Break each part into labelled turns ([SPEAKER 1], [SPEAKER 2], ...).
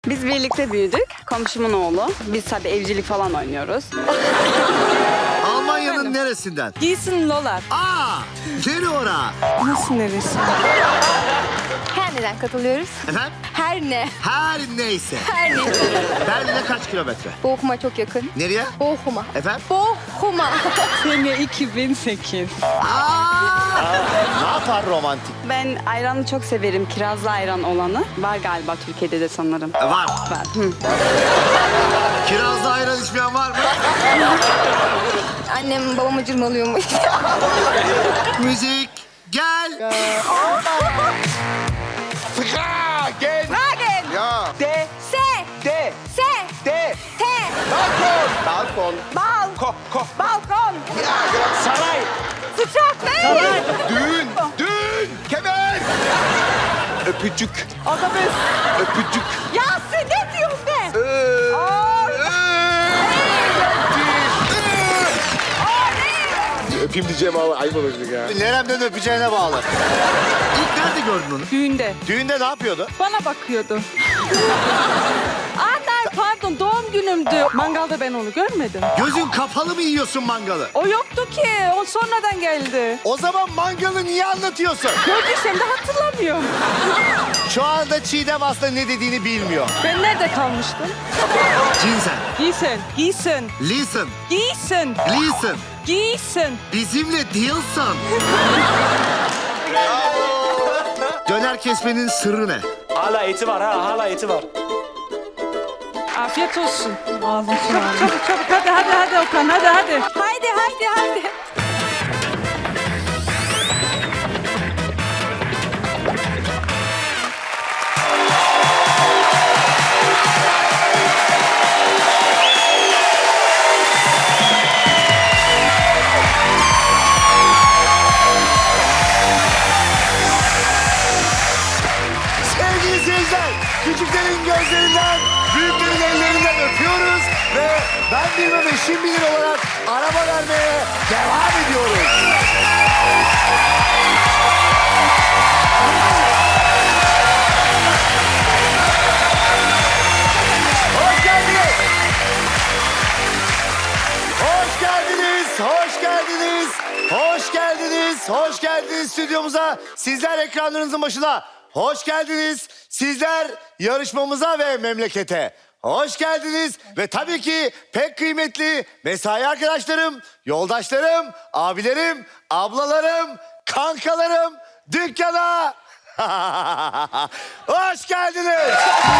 [SPEAKER 1] Biz birlikte büyüdük. Komşumun oğlu. Biz tabii evcilik falan oynuyoruz.
[SPEAKER 2] Almanya'nın neresinden?
[SPEAKER 3] Giysin Lola.
[SPEAKER 2] Aa! Nere ora?
[SPEAKER 3] Nasıl neresi?
[SPEAKER 4] Her neden katılıyoruz?
[SPEAKER 2] Efendim?
[SPEAKER 4] Her ne?
[SPEAKER 2] Her neyse.
[SPEAKER 4] Her ne?
[SPEAKER 2] Berlin'e kaç kilometre?
[SPEAKER 4] Bochum'a çok yakın.
[SPEAKER 2] Nereye?
[SPEAKER 4] Bochum'a.
[SPEAKER 2] Efendim?
[SPEAKER 4] Bochum'a.
[SPEAKER 3] Sene 2008.
[SPEAKER 2] Ne yapar romantik?
[SPEAKER 1] Ben ayranı çok severim. Kirazlı ayran olanı. Var galiba Türkiye'de de sanırım.
[SPEAKER 2] Var.
[SPEAKER 1] Var. Hı.
[SPEAKER 2] Kirazlı ayran içmeyen var mı?
[SPEAKER 4] Annem babamı cırmalıyormuş.
[SPEAKER 2] Müzik. Gel.
[SPEAKER 5] Gel.
[SPEAKER 4] Wagen.
[SPEAKER 5] Ja.
[SPEAKER 4] Se.
[SPEAKER 5] De.
[SPEAKER 4] Se.
[SPEAKER 5] De.
[SPEAKER 4] Te.
[SPEAKER 5] Balkon. Balkon.
[SPEAKER 4] Bal. Balkon.
[SPEAKER 5] Ja, genau. Saray.
[SPEAKER 4] Sıçrak. Ne?
[SPEAKER 5] Düğün. Düğün. Kemer. Öpücük.
[SPEAKER 3] Otobüs.
[SPEAKER 5] Öpücük.
[SPEAKER 4] Ya sen ne diyorsun be?
[SPEAKER 5] Öpeyim diyeceğim ama ayıp olacak ya.
[SPEAKER 2] Neremden öpeceğine bağlı. İlk nerede gördün onu?
[SPEAKER 3] Düğünde.
[SPEAKER 2] Düğünde ne yapıyordu?
[SPEAKER 3] Bana bakıyordu. Anne pardon doğum günümdü. Mangalda ben onu görmedim.
[SPEAKER 2] Gözün kapalı mı yiyorsun mangalı?
[SPEAKER 3] O yoktu ki. O sonradan geldi.
[SPEAKER 2] O zaman mangalı niye anlatıyorsun?
[SPEAKER 3] Gördüysem de hatırlamıyorum.
[SPEAKER 2] Şu anda Çiğdem aslında ne dediğini bilmiyor.
[SPEAKER 3] Ben nerede kalmıştım?
[SPEAKER 2] Cinsen.
[SPEAKER 3] Giysin. Giysin.
[SPEAKER 2] Listen.
[SPEAKER 3] Giysin.
[SPEAKER 2] Listen.
[SPEAKER 3] Giysin.
[SPEAKER 2] Bizimle değilsin. Döner kesmenin sırrı ne?
[SPEAKER 6] Hala eti var ha, hala eti var.
[SPEAKER 3] Afiyet olsun. Çabuk çabuk. Hadi Okan hadi.
[SPEAKER 4] Haydi.
[SPEAKER 2] Sevgili seyirciler, küçüklerin gözlerinden, büyüklerin ellerinden öpüyoruz ve ben bilmem eşim bilir olarak araba vermeye devam ediyoruz. Hoş geldiniz. Hoş geldiniz, hoş geldiniz, hoş geldiniz, hoş geldiniz stüdyomuza. Sizler ekranlarınızın başına. Hoş geldiniz. Sizler yarışmamıza ve memlekete. Hoş geldiniz ve tabii ki pek kıymetli mesai arkadaşlarım, yoldaşlarım, abilerim, ablalarım, kankalarım dükkana. Hoş geldiniz.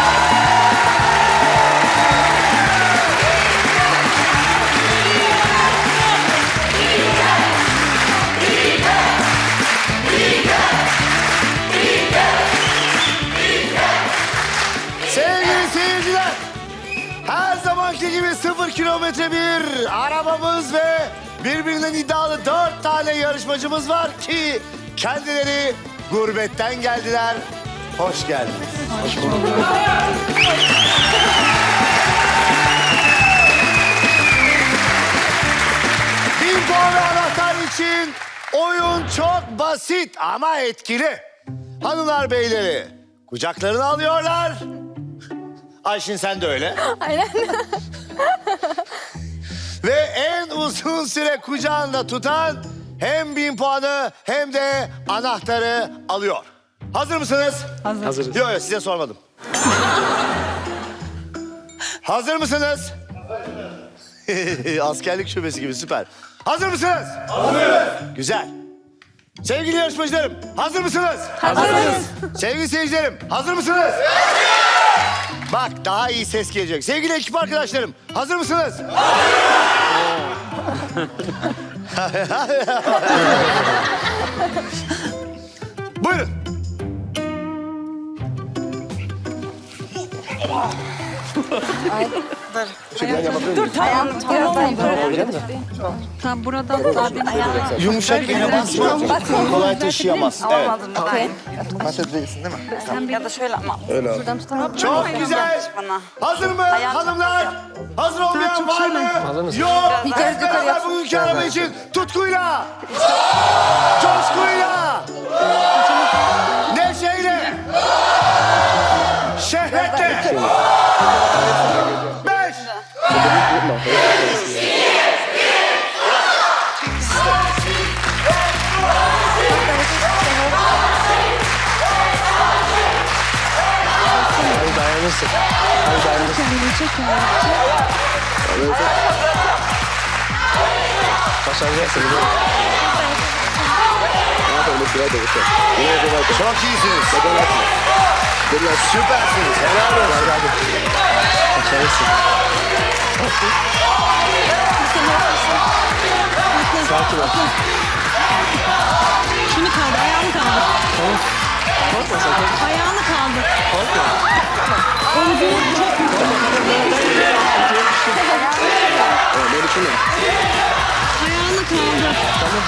[SPEAKER 2] Sevgili seyirciler, her zamanki gibi 0 kilometre bir arabamız ve birbirinden iddialı 4 tane yarışmacımız var ki kendileri gurbetten geldiler. Hoş geldiniz. Hoş bulduk. Bir puan ve anahtar için oyun çok basit ama etkili. Hanımlar beyleri kucaklarını alıyorlar. Ayşin sen de öyle.
[SPEAKER 4] Aynen.
[SPEAKER 2] Ve en uzun süre kucağında tutan hem 1000 puanı hem de anahtarı alıyor. Hazır mısınız?
[SPEAKER 6] Hazırız.
[SPEAKER 2] Yok size sormadım. Hazır mısınız? Askerlik şubesi gibi süper. Hazır mısınız? Hazırız. Güzel. Sevgili yarışmacılarım hazır mısınız?
[SPEAKER 4] Hazırız.
[SPEAKER 2] Sevgili seyircilerim hazır mısınız? Bak daha iyi ses gelecek. Sevgili ekip arkadaşlarım hazır mısınız? Buyurun.
[SPEAKER 3] Dur tamam. Tamam buradan abi.
[SPEAKER 2] Yumuşak yere basma. Kolay taşıyamaz. Evet.
[SPEAKER 4] Okey.
[SPEAKER 1] Ya da şöyle ama.
[SPEAKER 4] Buradan tutamam.
[SPEAKER 2] Çok güzel.
[SPEAKER 1] Bana.
[SPEAKER 2] Hazır mı hanımlar? Hazır olmayan var mı? Yok.
[SPEAKER 4] Yukarı,
[SPEAKER 2] Hep
[SPEAKER 4] yukarı
[SPEAKER 2] beraber
[SPEAKER 4] yap.
[SPEAKER 2] bugünkü araba için tutkuyla, coşkuyla, neşeyle, şehvetle,
[SPEAKER 6] Başarırsın. Hadi dayanırsın.
[SPEAKER 3] Kendini çek kendini çek.
[SPEAKER 6] Başaracaksın.
[SPEAKER 2] Çok iyisiniz. Süpersiniz. Helal olsun.
[SPEAKER 6] Başarırsın. Sakin ol.
[SPEAKER 3] Şunu kaldır, ayağını kaldır.
[SPEAKER 6] Tamam. Korkma sakın.
[SPEAKER 3] Ayağını kaldır.
[SPEAKER 6] Korkma.
[SPEAKER 3] Omzunu çok
[SPEAKER 5] Böyle şunu.
[SPEAKER 3] ayağını kaldır.
[SPEAKER 6] Tamam.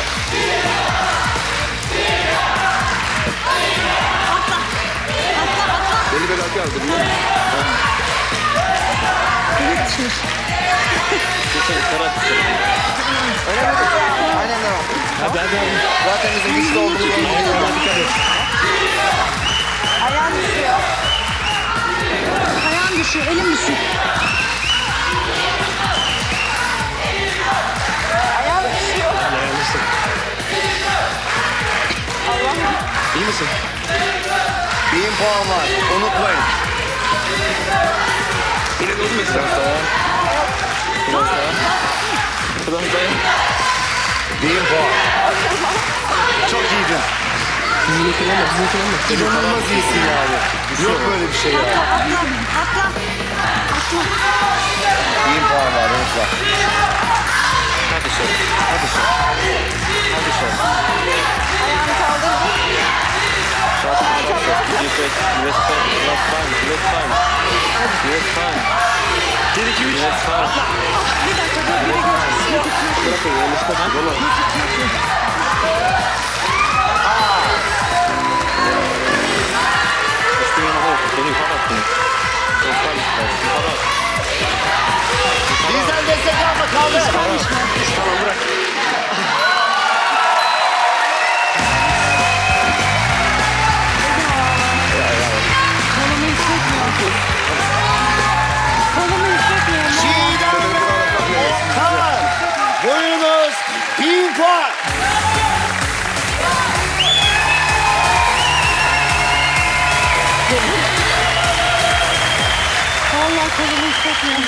[SPEAKER 5] Beni böyle arkaya aldı.
[SPEAKER 3] Evet düşmüş.
[SPEAKER 2] Aynen devam.
[SPEAKER 6] Hadi hadi hadi.
[SPEAKER 2] Zaten bizim güçlü olduğumuzu biliyoruz.
[SPEAKER 6] Dikkat et.
[SPEAKER 4] Ayağım düşüyor.
[SPEAKER 3] Ayağın düşüyor, elin düşüyor.
[SPEAKER 4] Ayağım düşüyor.
[SPEAKER 6] Dayanırsın. İyi misin?
[SPEAKER 2] 1000 puan var. Unutmayın.
[SPEAKER 5] Yine de olmuyor sen.
[SPEAKER 6] Biraz daha. Biraz daha.
[SPEAKER 2] 1000 puan. Çok iyiydin.
[SPEAKER 6] Dizini kullanma, dizini kullanma.
[SPEAKER 2] İnanılmaz iyisin yani. Yok böyle bir şey ya.
[SPEAKER 3] Atla.
[SPEAKER 2] 1000 puan var. Unutma.
[SPEAKER 6] Hadi şöyle. Hadi şöyle. Hadi şöyle.
[SPEAKER 4] Ayağımı kaldırdım.
[SPEAKER 6] Trust me. Let's fine. Let's fine. Let's fine. Let's fine. 1, 2, 3. Let's fine.
[SPEAKER 3] Bir dakika dur, biri geçsin.
[SPEAKER 6] Bırakın yanlışlıkla. Valla. Üstüne yana bak. Beni yukarı attın. Yukarı at. Yukarı at.
[SPEAKER 2] Bizden destek alma kaldı.
[SPEAKER 6] Tamam bırak.
[SPEAKER 3] Kolumu hissetmiyorum. Kolumu hissetmiyorum.
[SPEAKER 2] Çiğdem ve Okan. Buyurunuz 1000 puan.
[SPEAKER 3] Vallahi kolumu hissetmiyorum.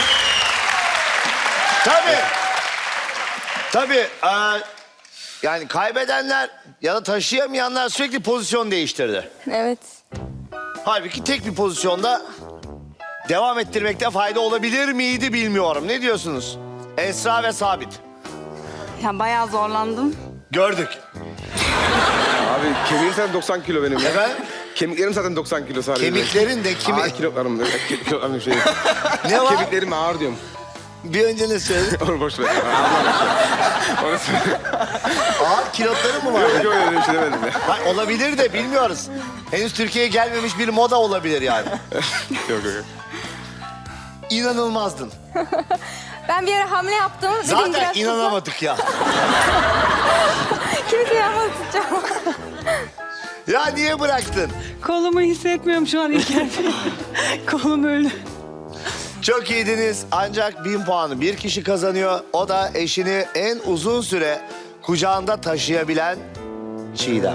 [SPEAKER 2] Tabii. Tabii. Yani kaybedenler ya da taşıyamayanlar sürekli pozisyon değiştirdi.
[SPEAKER 4] Evet.
[SPEAKER 2] Halbuki tek bir pozisyonda devam ettirmekte fayda olabilir miydi bilmiyorum. Ne diyorsunuz? Esra ve Sabit.
[SPEAKER 1] Ya bayağı zorlandım.
[SPEAKER 2] Gördük.
[SPEAKER 5] Abi kemiğim zaten 90 kilo benim ya.
[SPEAKER 2] Efendim?
[SPEAKER 5] Kemiklerim zaten 90 kilo sadece.
[SPEAKER 2] Kemiklerin de kimi...
[SPEAKER 5] Ağır kilolarım. Kilolarım şey.
[SPEAKER 2] Ne var?
[SPEAKER 5] Kemiklerim ağır diyorum.
[SPEAKER 2] Bir önce ne söyledin?
[SPEAKER 5] Onu boş ver. Onu söyle.
[SPEAKER 2] Ağır kilotları mı var?
[SPEAKER 5] Yok yok öyle bir şey demedim ya.
[SPEAKER 2] Hayır, olabilir de bilmiyoruz. Henüz Türkiye'ye gelmemiş bir moda olabilir yani.
[SPEAKER 5] Yok yok yok.
[SPEAKER 2] İnanılmazdın.
[SPEAKER 4] Ben bir ara hamle yaptım. Dedim
[SPEAKER 2] Zaten
[SPEAKER 4] biraz
[SPEAKER 2] inanamadık ya.
[SPEAKER 4] Kimse yapmadı tutacağım.
[SPEAKER 2] Ya niye bıraktın?
[SPEAKER 3] Kolumu hissetmiyorum şu an İlker Bey. Kolum öyle.
[SPEAKER 2] Çok iyiydiniz ancak 1000 puanı bir kişi kazanıyor. O da eşini en uzun süre kucağında taşıyabilen Çiğdem.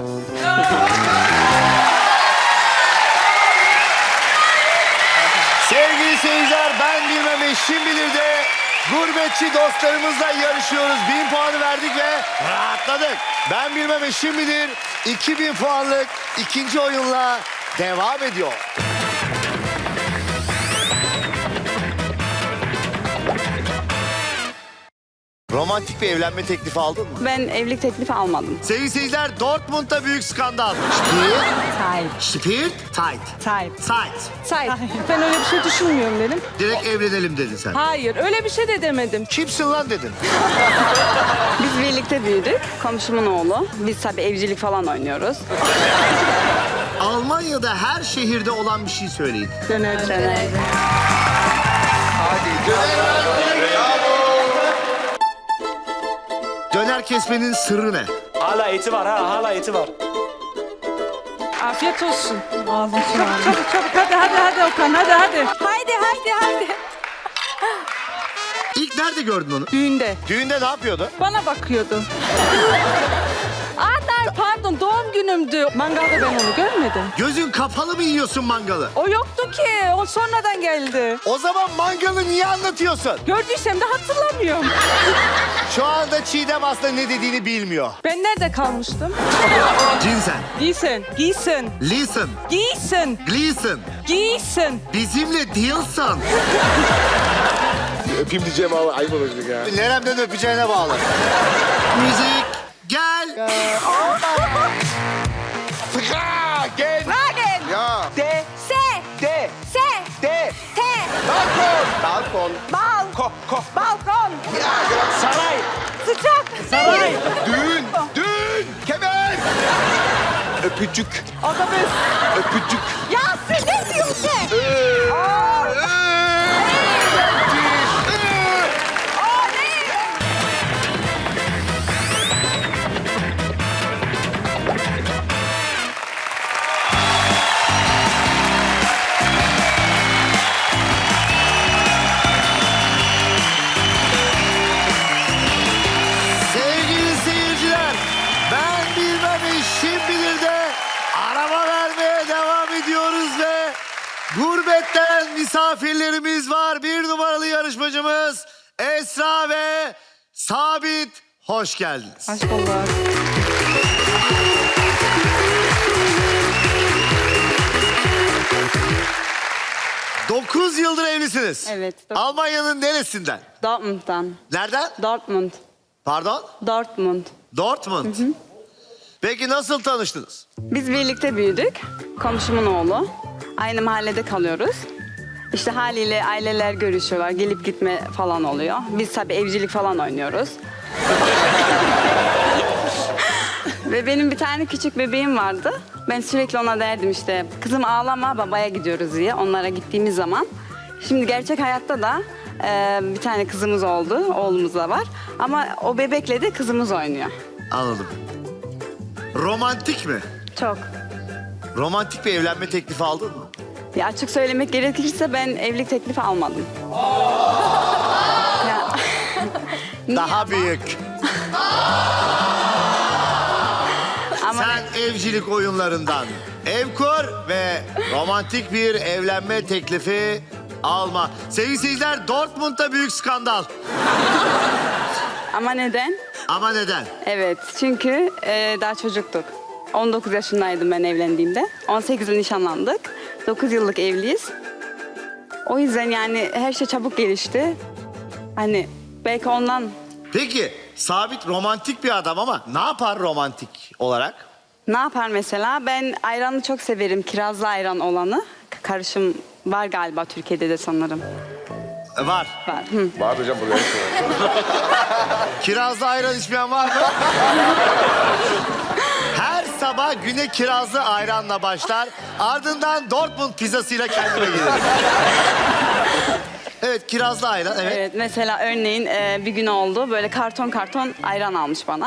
[SPEAKER 2] Sevgili seyirciler, ben bilmem eşim bilir de gurbetçi dostlarımızla yarışıyoruz. 1000 puanı verdik ve rahatladık. Ben bilmem eşim bilir 2000 puanlık ikinci oyunla devam ediyor. Romantik bir evlenme teklifi aldın mı?
[SPEAKER 1] Ben evlilik teklifi almadım.
[SPEAKER 2] Sevgili seyirciler, Dortmund'da büyük skandal. Spirit,
[SPEAKER 3] Tight.
[SPEAKER 2] Spirit, tight.
[SPEAKER 3] Tight.
[SPEAKER 2] Tight.
[SPEAKER 3] Tight. Ben öyle bir şey düşünmüyorum dedim.
[SPEAKER 2] Direkt evlenelim dedin sen.
[SPEAKER 3] Hayır, öyle bir şey de demedim.
[SPEAKER 2] Kimsin lan dedin.
[SPEAKER 1] Biz birlikte büyüdük. Komşumun oğlu. Biz tabii evcilik falan oynuyoruz.
[SPEAKER 2] Almanya'da her şehirde olan bir şey söyleyin.
[SPEAKER 3] Döner.
[SPEAKER 1] Döner.
[SPEAKER 2] Döner kesmenin sırrı ne?
[SPEAKER 6] Hala eti var ha. Hala eti var.
[SPEAKER 3] Afiyet olsun. Ağzım sulandı. Çabuk hadi Okan hadi.
[SPEAKER 4] Haydi.
[SPEAKER 2] İlk nerede gördün onu?
[SPEAKER 3] Düğünde.
[SPEAKER 2] Düğünde ne yapıyordu?
[SPEAKER 3] Bana bakıyordu. Pardon doğum doğum günümdü. Mangalda ben onu görmedim.
[SPEAKER 2] Gözün kapalı mı yiyorsun mangalı?
[SPEAKER 3] O yoktu ki. O sonradan geldi.
[SPEAKER 2] O zaman mangalı niye anlatıyorsun?
[SPEAKER 3] Gördüysem de hatırlamıyorum.
[SPEAKER 2] Şu anda Çiğdem aslında ne dediğini bilmiyor.
[SPEAKER 3] Ben nerede kalmıştım?
[SPEAKER 2] Cinsen,
[SPEAKER 3] Giysin, giysin,
[SPEAKER 2] listen,
[SPEAKER 3] giysin,
[SPEAKER 2] gleason,
[SPEAKER 3] giysin.
[SPEAKER 2] bizimle değilsin.
[SPEAKER 5] Öpeyim diyeceğim ama ayıp olacak ya.
[SPEAKER 2] Neremden öpeceğine bağlı. Müzik, gel.
[SPEAKER 5] Gel.
[SPEAKER 4] Wagen.
[SPEAKER 5] Ya.
[SPEAKER 2] De,
[SPEAKER 4] Se.
[SPEAKER 2] de,
[SPEAKER 4] Se.
[SPEAKER 2] de.
[SPEAKER 4] Te.
[SPEAKER 5] Balkon. Balkon.
[SPEAKER 4] Bal.
[SPEAKER 3] Balkon,
[SPEAKER 2] Saray,
[SPEAKER 4] Sıcak.
[SPEAKER 3] saray,
[SPEAKER 5] Düğün. Düğün. Kemer. Öpücük.
[SPEAKER 3] otobüs.
[SPEAKER 5] Öpücük.
[SPEAKER 4] Ya sen ne diyorsun?
[SPEAKER 2] sevgili seyirciler, ben bilmem eşim bilir de araba vermeye devam ediyoruz ve gurbetten misafirlerimiz var. 1 numaralı yarışmacımız Esra ve Sabit, hoş geldiniz.
[SPEAKER 3] Hoş bulduk.
[SPEAKER 2] Dokuz yıldır evlisiniz.
[SPEAKER 1] Evet.
[SPEAKER 2] Almanya'nın neresinden?
[SPEAKER 1] Dortmund'dan.
[SPEAKER 2] Nereden?
[SPEAKER 1] Dortmund.
[SPEAKER 2] Pardon?
[SPEAKER 1] Dortmund.
[SPEAKER 2] Dortmund. Peki nasıl tanıştınız?
[SPEAKER 1] Biz birlikte büyüdük. Komşumun oğlu. Aynı mahallede kalıyoruz. İşte haliyle aileler görüşüyorlar. Gelip gitme falan oluyor. Biz tabii evcilik falan oynuyoruz. Ve benim bir tane küçük bebeğim vardı. Ben sürekli ona derdim işte kızım ağlama babaya gidiyoruz diye onlara gittiğimiz zaman. Şimdi gerçek hayatta da bir tane kızımız oldu. Oğlumuz da var. Ama o bebekle de kızımız oynuyor.
[SPEAKER 2] Anladım. Romantik mi?
[SPEAKER 1] Çok.
[SPEAKER 2] Romantik bir evlenme teklifi aldın mı?
[SPEAKER 1] Ya açık söylemek gerekirse ben evlilik teklifi almadım. Ya. Niye
[SPEAKER 2] Daha
[SPEAKER 1] ama?
[SPEAKER 2] büyük.
[SPEAKER 1] Ama
[SPEAKER 2] Sen evcilik oyunlarından ev kur ve romantik bir evlenme teklifi alma. Sevgili seyirciler, Dortmund'da büyük skandal.
[SPEAKER 1] ama neden?
[SPEAKER 2] Ama neden?
[SPEAKER 1] Evet çünkü daha çocuktuk. 19 yaşındaydım ben evlendiğimde. 18'de nişanlandık. 9 yıllık evliyiz. O yüzden yani her şey çabuk gelişti. Hani belki ondan
[SPEAKER 2] Peki, Sabit romantik bir adam ama ne yapar romantik olarak?
[SPEAKER 1] ne yapar mesela? Ben ayranı çok severim. Kirazlı ayran olanı. Karışım var galiba Türkiye'de de sanırım.
[SPEAKER 2] Var.
[SPEAKER 1] Var. Hı.
[SPEAKER 5] Var hocam buraya.
[SPEAKER 2] Kirazlı ayran içmeyen var mı? Her sabah güne kirazlı ayranla başlar. Ardından Dortmund pizzasıyla kendine gelir. Evet, kirazlı ayran, evet.
[SPEAKER 1] Evet mesela örneğin bir gün oldu böyle karton ayran almış bana.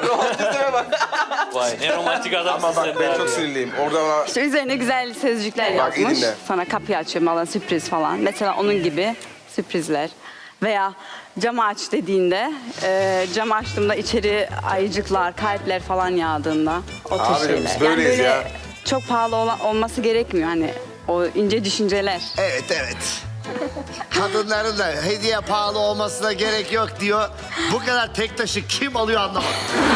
[SPEAKER 6] Vay ne romantik adamsın
[SPEAKER 5] Ama bak
[SPEAKER 6] sen
[SPEAKER 5] ben
[SPEAKER 6] de
[SPEAKER 5] çok
[SPEAKER 6] abi.
[SPEAKER 5] sinirliyim. Orada bana...
[SPEAKER 1] İşte üzerine güzel sözcükler
[SPEAKER 5] Bak, iyi
[SPEAKER 1] yazmış.
[SPEAKER 5] dinle.
[SPEAKER 1] Sana kapıyı açıyor falan sürpriz falan. Mesela onun gibi sürprizler. Veya camı aç dediğinde camı açtığımda içeri ayıcıklar, kalpler falan yağdığında o tür
[SPEAKER 5] Abicim,
[SPEAKER 1] şeyler.
[SPEAKER 5] biz böyleyiz
[SPEAKER 1] böyle
[SPEAKER 5] ya.
[SPEAKER 1] çok pahalı olması gerekmiyor hani o ince düşünceler.
[SPEAKER 2] Evet, evet. Kadınların da hediye pahalı olmasına gerek yok diyor. Bu kadar tek taşı kim alıyor anlamadım.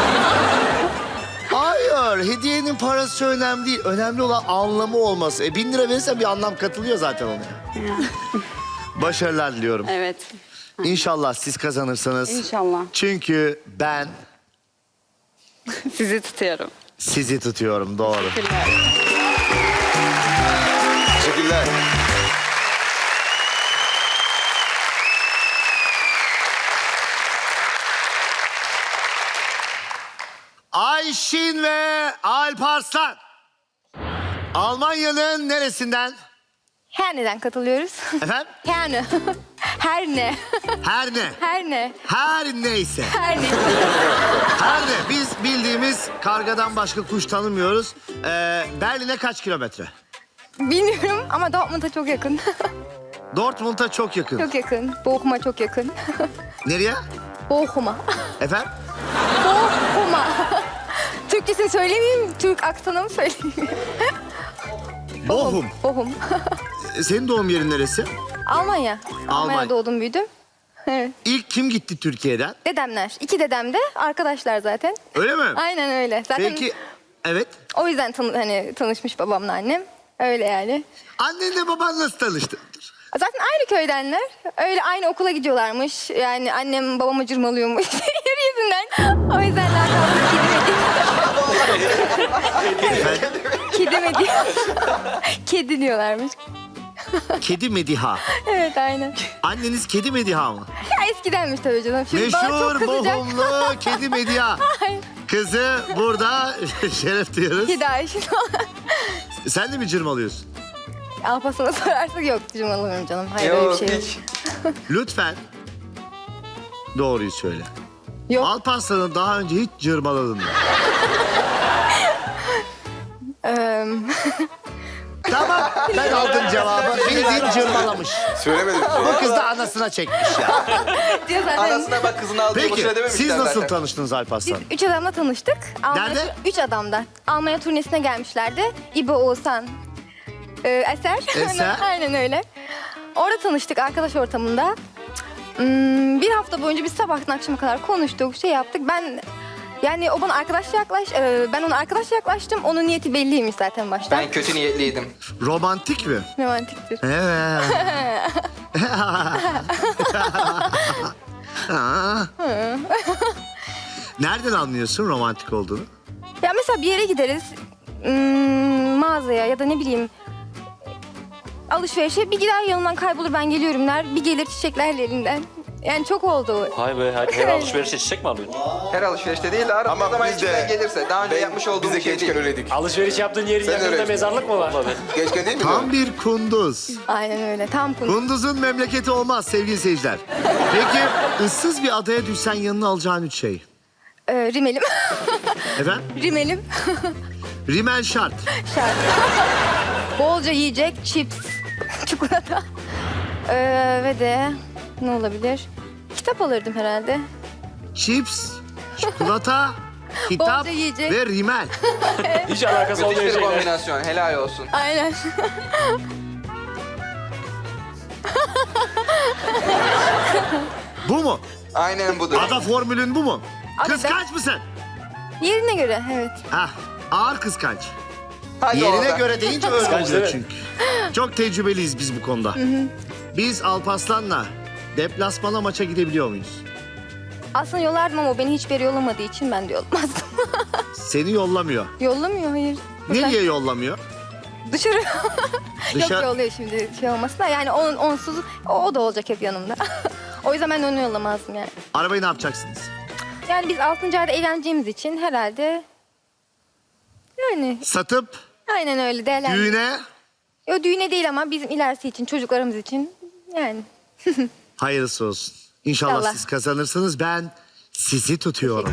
[SPEAKER 2] Hayır, hediyenin parası önemli değil. Önemli olan anlamı olması. 1000 lira verirsen bir anlam katılıyor zaten ona. Başarılar diliyorum.
[SPEAKER 1] Evet.
[SPEAKER 2] İnşallah siz kazanırsınız.
[SPEAKER 1] İnşallah.
[SPEAKER 2] Çünkü ben
[SPEAKER 1] Sizi tutuyorum.
[SPEAKER 2] sizi tutuyorum, doğru.
[SPEAKER 1] Teşekkürler.
[SPEAKER 5] Teşekkürler.
[SPEAKER 2] Ayşin ve Alparslan. Almanya'nın neresinden?
[SPEAKER 4] Her neden katılıyoruz?
[SPEAKER 2] Efendim?
[SPEAKER 4] Yani. Her ne.
[SPEAKER 2] Her ne?
[SPEAKER 4] Her ne.
[SPEAKER 2] Her neyse.
[SPEAKER 4] Her ne.
[SPEAKER 2] Her ne? Biz bildiğimiz kargadan başka kuş tanımıyoruz. Berlin'e kaç kilometre?
[SPEAKER 4] Bilmiyorum ama Dortmund'a çok yakın.
[SPEAKER 2] Dortmund'a çok yakın.
[SPEAKER 4] Çok yakın. Bochum'a çok yakın.
[SPEAKER 2] Nereye?
[SPEAKER 4] Bochum'a.
[SPEAKER 2] Efendim?
[SPEAKER 4] Bochum'a. Türkçesini söylemeyeyim, Türk aksanımı söyleyeyim.
[SPEAKER 2] Bochum.
[SPEAKER 4] Bochum.
[SPEAKER 2] Senin doğum yerin neresi?
[SPEAKER 4] Almanya.
[SPEAKER 2] Almanya.
[SPEAKER 4] Almanya'da doğdum, büyüdüm. Evet.
[SPEAKER 2] İlk kim gitti Türkiye'den?
[SPEAKER 4] Dedemler. 2 dedem de arkadaşlar zaten.
[SPEAKER 2] Öyle mi?
[SPEAKER 4] Aynen öyle. Zaten
[SPEAKER 2] Peki, evet.
[SPEAKER 4] o yüzden tanışmış babamla annem. Öyle yani.
[SPEAKER 2] Annenle baban nasıl tanıştı?
[SPEAKER 4] Zaten aynı köydenler. Öyle aynı okula gidiyorlarmış. Yani annem babamı cırmalıyormuş. Yürü yüzünden. O yüzden lakabı Kedi Medi. Kedi diyorlarmış.
[SPEAKER 2] Kedi Mediha.
[SPEAKER 4] Evet, aynen.
[SPEAKER 2] Anneniz Kedi Mediha mı?
[SPEAKER 4] Ya eskidenmiş tabii canım. Şimdi bana çok
[SPEAKER 2] Meşhur
[SPEAKER 4] kızacak.
[SPEAKER 2] Bochumlu Kedi Mediha. Kızı burada şeref diyoruz.
[SPEAKER 4] Kedi Ayşe.
[SPEAKER 2] Sen de mi cırmalıyorsun?
[SPEAKER 4] Alpaslan'a sorarsak yok, cırmalamıyorum canım. Hayır, öyle bir şey yok.
[SPEAKER 6] hiç.
[SPEAKER 2] Lütfen doğruyu söyle.
[SPEAKER 4] Yok.
[SPEAKER 2] Alparslan'ı daha önce hiç cırmaladın mı? Tamam, ben aldım cevabı. Bildiğin cırmalamış.
[SPEAKER 5] Söylemedim bir şey.
[SPEAKER 2] Bu kız da anasına çekmiş ya.
[SPEAKER 4] Diyor zaten.
[SPEAKER 6] Anasına bak kızını aldı.
[SPEAKER 2] Peki,
[SPEAKER 6] boşuna dememişler
[SPEAKER 2] siz nasıl
[SPEAKER 6] zaten.
[SPEAKER 2] tanıştınız Alparslan?
[SPEAKER 4] Biz 3 adamla tanıştık.
[SPEAKER 2] Nerede?
[SPEAKER 4] 3 adamda. Almanya turnesine gelmişlerdi. İbo, Oğuzhan, Eser.
[SPEAKER 2] Eser.
[SPEAKER 4] Aynen öyle. Orada tanıştık, arkadaş ortamında. Bir hafta boyunca biz sabahtan akşama kadar konuştuk, şey yaptık. Yani o bana ben ona arkadaş yaklaştım. Onun niyeti belliymiş zaten baştan.
[SPEAKER 6] Ben kötü niyetliydim.
[SPEAKER 2] Romantik mi?
[SPEAKER 4] Romantiktir.
[SPEAKER 2] Evet. Nereden anlıyorsun romantik olduğunu?
[SPEAKER 4] Ya mesela bir yere gideriz, mağazaya ya da ne bileyim alışverişe, bir gider yanımdan kaybolur, ben geliyorum der. Bir gelir çiçeklerle elinden. Yani çok oldu.
[SPEAKER 7] Hay be, her alışverişe çiçek mi alıyorsun?
[SPEAKER 6] Her alışverişte değil de arada
[SPEAKER 5] Ama
[SPEAKER 6] ne zaman
[SPEAKER 5] biz de-
[SPEAKER 6] içinden gelirse. Daha önce yapmış olduğum
[SPEAKER 5] Biz de
[SPEAKER 6] bir şey
[SPEAKER 5] gençken
[SPEAKER 6] değil.
[SPEAKER 5] öyleydik.
[SPEAKER 7] Alışveriş yaptığın yerin
[SPEAKER 5] Sen
[SPEAKER 7] yakınında
[SPEAKER 5] öylesin.
[SPEAKER 7] mezarlık mı var?
[SPEAKER 5] Gençken değil mi?
[SPEAKER 2] Tam bir kunduz.
[SPEAKER 4] Aynen öyle, tam konu.
[SPEAKER 2] Kunduz'un memleketi olmaz sevgili seyirciler. Peki ıssız bir adaya düşsen yanına alacağın 3 şey.
[SPEAKER 4] Rimelim.
[SPEAKER 2] Efendim?
[SPEAKER 4] Rimelim.
[SPEAKER 2] Rimel şart.
[SPEAKER 4] Şart. Bolca yiyecek, chips, çikolata. Ve de ne olabilir? Kitap alırdım herhalde.
[SPEAKER 2] Chips, çikolata, kitap
[SPEAKER 4] Bolca yiyecek.
[SPEAKER 2] ve rimel.
[SPEAKER 7] Hiç alakası
[SPEAKER 6] Müthiş
[SPEAKER 7] olmayan
[SPEAKER 6] bir
[SPEAKER 7] şeyler.
[SPEAKER 6] kombinasyon. Helal olsun.
[SPEAKER 4] Aynen.
[SPEAKER 2] Bu mu?
[SPEAKER 6] Aynen budur.
[SPEAKER 2] Ada formülün bu mu?
[SPEAKER 4] Abi
[SPEAKER 2] Kıskanç mısın?
[SPEAKER 4] Yerine göre, evet.
[SPEAKER 2] Hah, ağır kıskanç.
[SPEAKER 6] Hadi
[SPEAKER 2] Yerine
[SPEAKER 6] orada.
[SPEAKER 2] göre deyince öyle
[SPEAKER 7] Kıskanç
[SPEAKER 2] oluyor
[SPEAKER 7] değil
[SPEAKER 2] çünkü. Çok tecrübeliyiz biz bu konuda. Biz Alparslan'la deplasmana maça gidebiliyor muyuz?
[SPEAKER 4] Aslında yollardım ama o beni hiçbir yere yollamadığı için ben de yollamazdım.
[SPEAKER 2] Seni yollamıyor.
[SPEAKER 4] Yollamıyor, hayır.
[SPEAKER 2] Nereye yollamıyor?
[SPEAKER 4] Dışarı.
[SPEAKER 2] Dışarı-
[SPEAKER 4] Yok, yolluyor şimdi şey olmasın da. Yani onsuz o da olacak hep yanımda. O yüzden ben onu yollamazdım yani.
[SPEAKER 2] Arabayı ne yapacaksınız?
[SPEAKER 4] Yani biz 6. ayda eğleneceğimiz için herhalde... Yani
[SPEAKER 2] Satıp
[SPEAKER 4] aynen öyle değerlendir.
[SPEAKER 2] düğüne
[SPEAKER 4] Yo, düğüne değil ama bizim ilerisi için, çocuklarımız için yani.
[SPEAKER 2] hayırlısı olsun. İnşallah
[SPEAKER 4] İnşallah.
[SPEAKER 2] siz kazanırsınız. Ben sizi tutuyorum.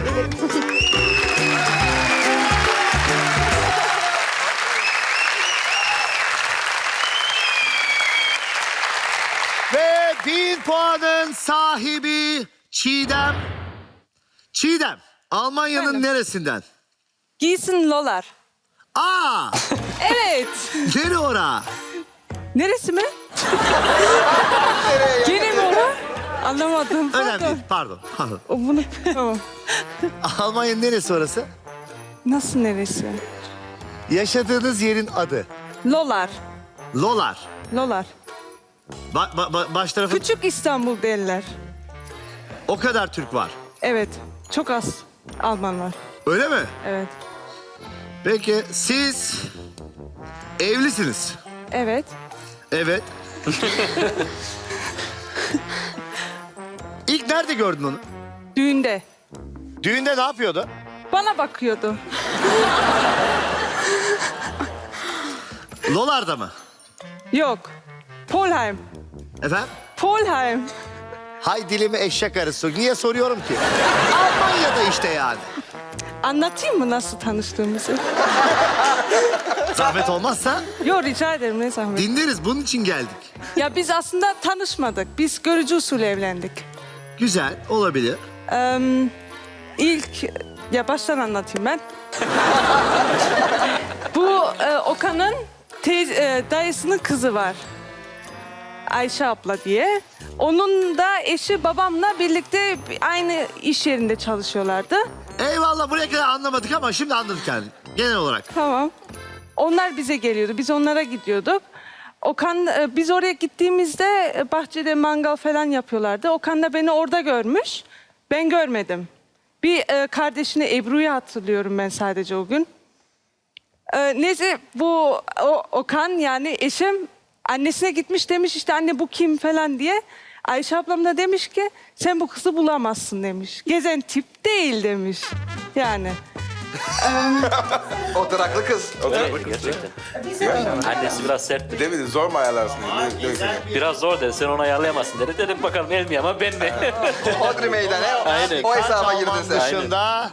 [SPEAKER 2] Ve 1000 puanın sahibi Çiğdem. Çiğdem, Almanya'nın neresinden?
[SPEAKER 3] Giysin Lolar.
[SPEAKER 2] Aa,
[SPEAKER 3] Evet.
[SPEAKER 2] nere ora?
[SPEAKER 3] Neresi mi? Gene mi ora? Anlamadım.
[SPEAKER 2] Önemli değil, pardon.
[SPEAKER 3] O bunu... Tamam.
[SPEAKER 2] Almanya'nın neresi orası?
[SPEAKER 3] Nasıl neresi?
[SPEAKER 2] Yaşadığınız yerin adı.
[SPEAKER 3] Lolar.
[SPEAKER 2] Lolar.
[SPEAKER 3] Lolar.
[SPEAKER 2] Baş tarafı
[SPEAKER 3] Küçük İstanbul derler.
[SPEAKER 2] o kadar Türk var.
[SPEAKER 3] Evet. Çok az Alman var.
[SPEAKER 2] Öyle mi?
[SPEAKER 3] Evet.
[SPEAKER 2] Peki siz evlisiniz.
[SPEAKER 3] Evet.
[SPEAKER 2] Evet. İlk nerede gördün onu?
[SPEAKER 3] Düğünde.
[SPEAKER 2] Düğünde ne yapıyordu?
[SPEAKER 3] Bana bakıyordu.
[SPEAKER 2] Lolar'da mı?
[SPEAKER 3] Yok. Polheim.
[SPEAKER 2] Efendim?
[SPEAKER 3] Polheim.
[SPEAKER 2] Hay dilimi eşek arısı. Niye soruyorum ki? Almanya'da işte yani.
[SPEAKER 3] Anlatayım mı nasıl tanıştığımızı?
[SPEAKER 2] Zahmet olmazsa
[SPEAKER 3] Yok, rica ederim, ne zahmet.
[SPEAKER 2] dinleriz. Bunun için geldik.
[SPEAKER 3] Ya biz aslında tanışmadık. Biz görücü usulü evlendik.
[SPEAKER 2] Güzel, olabilir.
[SPEAKER 3] İlk, ya baştan anlatayım ben. Bu Okan'ın dayısının kızı var. Ayşe abla diye. Onun da eşi babamla birlikte aynı iş yerinde çalışıyorlardı.
[SPEAKER 2] Eyvallah, buraya kadar anlamadık ama şimdi anladık yani genel olarak.
[SPEAKER 3] Tamam. Onlar bize geliyordu. Biz onlara gidiyorduk. Okan, biz oraya gittiğimizde bahçede mangal falan yapıyorlardı. Okan da beni orada görmüş. Ben görmedim. Bir kardeşini Ebru'yu hatırlıyorum ben sadece o gün. Neyse bu Okan yani eşim annesine gitmiş, demiş işte anne bu kim falan diye. Ayşe ablam da demiş ki sen bu kızı bulamazsın demiş. Gezen tip değil demiş. Yani.
[SPEAKER 5] Oturaklı kız.
[SPEAKER 7] Evet, gerçekten. Annesi biraz sertti.
[SPEAKER 5] Değil mi? Zor mu ayarlarsın?
[SPEAKER 7] Biraz zor dedi. Sen onu ayarlayamazsın dedi. Dedim bakalım el mi ama ben mi?
[SPEAKER 5] Hodri meydanı.
[SPEAKER 7] Aynen.
[SPEAKER 5] O hesaba girdin
[SPEAKER 2] Alman
[SPEAKER 5] sen.
[SPEAKER 2] dışında.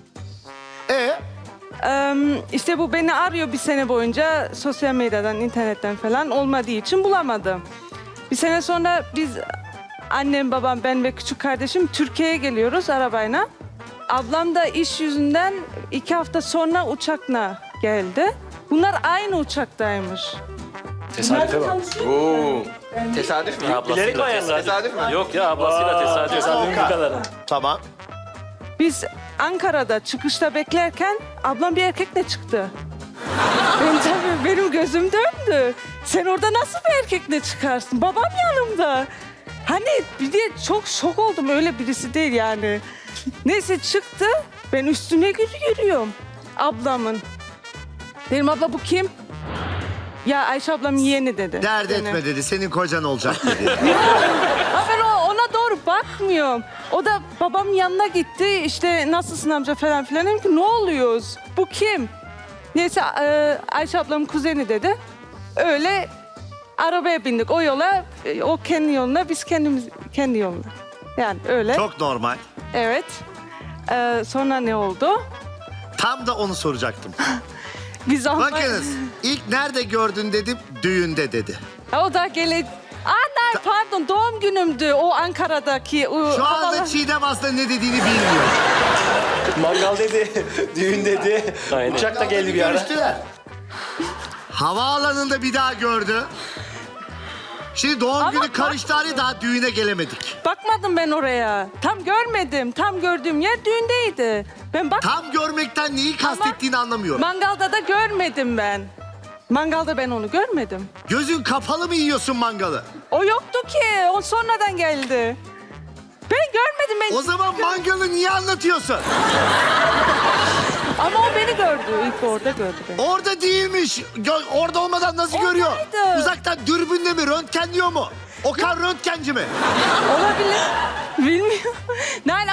[SPEAKER 3] İşte bu beni arıyor bir sene boyunca sosyal medyadan, internetten falan olmadığı için bulamadım. Bir sene sonra biz annem, babam, ben ve küçük kardeşim Türkiye'ye geliyoruz arabayla. Ablam da iş yüzünden 2 hafta sonra uçakla geldi. Bunlar aynı uçaktaymış.
[SPEAKER 7] Tesadüfe bak.
[SPEAKER 5] Oo. Tesadüf mü?
[SPEAKER 7] Bilerek mi ayarladı?
[SPEAKER 5] Tesadüf mü?
[SPEAKER 7] Yok ya ablasıyla tesadüf. Tesadüfün bu kadarı.
[SPEAKER 2] Tamam.
[SPEAKER 3] Biz Ankara'da çıkışta beklerken ablam bir erkekle çıktı. Benim gözüm döndü. Sen orada nasıl bir erkekle çıkarsın? Babam yanımda. Hani bir de çok şok oldum, öyle birisi değil yani. Neyse çıktı, ben üstüne yürüyorum ablamın. Dedim abla bu kim? Ya Ayşe ablam yeğeni dedi.
[SPEAKER 2] Dert
[SPEAKER 3] Yani.
[SPEAKER 2] etme dedi. Senin kocan olacak dedi.
[SPEAKER 3] Ha ben ona doğru bakmıyorum. O da babamın yanına gitti. İşte nasılsın amca falan filan. Dedim ki ne oluyoruz? Bu kim? Neyse Ayşe ablamın kuzeni dedi. Öyle arabaya bindik o yola. O kendi yoluna, biz kendi yoluna. Yani öyle.
[SPEAKER 2] Çok normal.
[SPEAKER 3] Evet. Sonra ne oldu?
[SPEAKER 2] Tam da onu soracaktım.
[SPEAKER 3] Biz onunla...
[SPEAKER 2] Bakınız, ilk nerede gördün dedim, düğünde dedi.
[SPEAKER 3] O da Anne pardon, doğum günümdü o Ankara'daki.
[SPEAKER 2] Şu anda Çiğdem aslında ne dediğini bilmiyor.
[SPEAKER 7] Mangal dedi, düğün dedi. Aynen. Uçak da geldi bir ara.
[SPEAKER 2] Görüştüler. Havaalanında bir daha gördü. Şimdi doğum günü karıştı, hani daha düğüne gelemedik.
[SPEAKER 3] Bakmadım ben oraya. Tam görmedim. Tam gördüğüm yer düğündeydi. Ben
[SPEAKER 2] Tam görmekten neyi kastettiğini anlamıyorum.
[SPEAKER 3] Mangalda da görmedim ben. Mangalda ben onu görmedim.
[SPEAKER 2] Gözün kapalı mı yiyorsun mangalı?
[SPEAKER 3] O yoktu ki. O sonradan geldi. Ben görmedim. Ben
[SPEAKER 2] O zaman mangalı niye anlatıyorsun?
[SPEAKER 3] Ama o beni gördü. İlk orada gördü beni.
[SPEAKER 2] Orada değilmiş. Orada olmadan nasıl görüyor?
[SPEAKER 3] Oradaydı.
[SPEAKER 2] Uzaktan dürbünle mi, röntgenliyor mu? Okan röntgenci mi?
[SPEAKER 3] Olabilir. Bilmiyorum. Ne